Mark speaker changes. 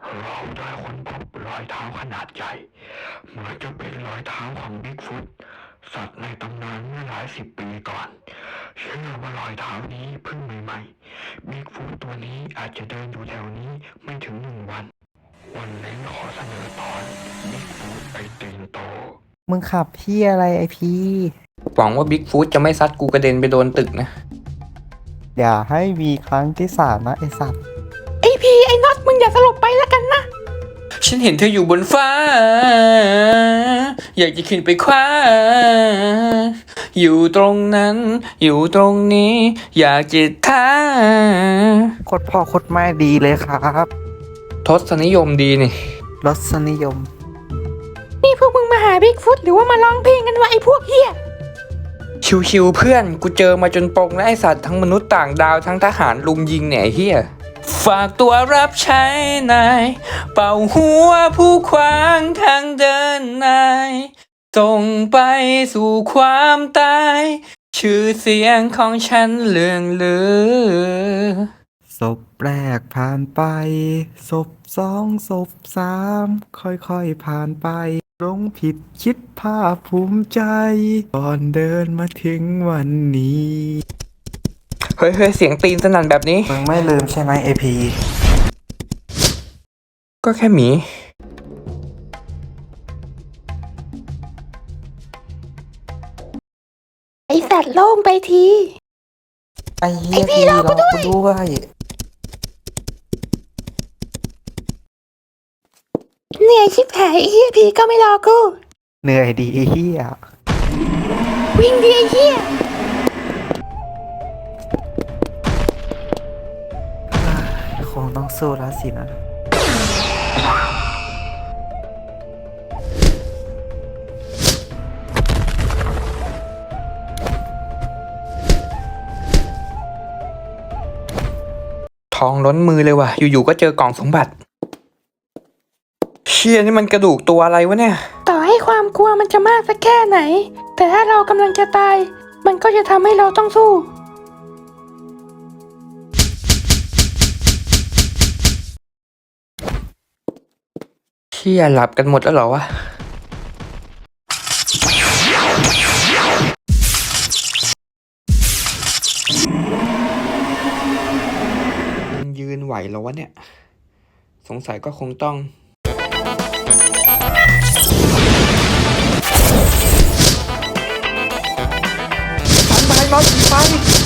Speaker 1: เราได้ค้นพบรอยเท้าขนาดใหญ่เหมือนจะเป็นรอยเท้าของบิ๊กฟุตสัตว์ในตำนานเมื่อหลายสิบปีก่อนเชื่อว่ารอยเท้านี้เพิ่งใหม่ๆบิ๊กฟุตตัวนี้อาจจะเดินอยู่แถวนี้ไม่ถึง1 วันวันนี้ขอเสนอตอนบิ๊กฟุตไอตีนโต
Speaker 2: มึงขับพี่อะไรไอพี
Speaker 3: หวังว่าบิ๊กฟูดจะไม่ซัดกูกระเด็นไปโดนตึกนะ
Speaker 2: อย่าให้มีครั้งที่3นะไอสัตว์
Speaker 4: ไอพีไอน็อตมึงอย่าสลบไปแล้วกันนะ
Speaker 3: ฉันเห็นเธออยู่บนฟ้า อยากจะขึ้นไปคว้า อยู่ตรงนั้น อยู่ตรงนี้ อยากจะท้า
Speaker 2: โคตรพ่อโคตรแม่ดีเลยครับ
Speaker 3: ทศนิยมดีนี่
Speaker 2: รสนิยม
Speaker 4: นี่พวกมึงมาหาบิ๊กฟุตหรือว่ามาร้องเพลงกันวะไอพวกเฮีย
Speaker 3: ชิวๆเพื่อน กูเจอมาจนปงและไอสัตว์ทั้งมนุษย์ต่างดาวทั้งทหารลุมยิงเนี่ยไอ้เฮียฝากตัวรับใช้นาย เป่าหัวผู้ขวางทางเดินนายส่งไปสู่ความตาย ชื่อเสียงของฉันเลื่องลือ
Speaker 2: ศพแรกผ่านไป ศพ2 ศพ3ค่อยๆผ่านไปหลงผิดคิดภาคภูมิใจก่อนเดินมาถึงวันนี้
Speaker 3: เฮ้ยเสียงตีนสนั่นแบบนี้
Speaker 2: มึงไม่ลืมใช่ไหมไอพี
Speaker 3: ก็แค่หมี
Speaker 4: ไอสัตว์โล่งไปที
Speaker 2: ไอเฮียพีรอกูด้วย
Speaker 4: เหนื่อยชิบหายไอเฮียพีก็ไม่รอกู
Speaker 2: เหนื่อยดีไอเฮีย
Speaker 4: วิ่งดีไอเฮีย
Speaker 2: คงต้องสู้แล้วสินะ
Speaker 3: ทองล้นมือเลยว่ะ อยู่ๆก็เจอกล่องสมบัติ เชี่ยนี่มันกระดูกตัวอะไรวะเนี่ย
Speaker 4: ต่อให้ความกลัวมันจะมากสักแค่ไหน แต่ถ้าเรากำลังจะตาย มันก็จะทำให้เราต้องสู้
Speaker 3: เชี่ยหลับกันหมดแล้วเหรอวะมันยืนไหวเหรอวะเนี่ย สงสัยก็คงต้องฟันไปนอนผีไฟ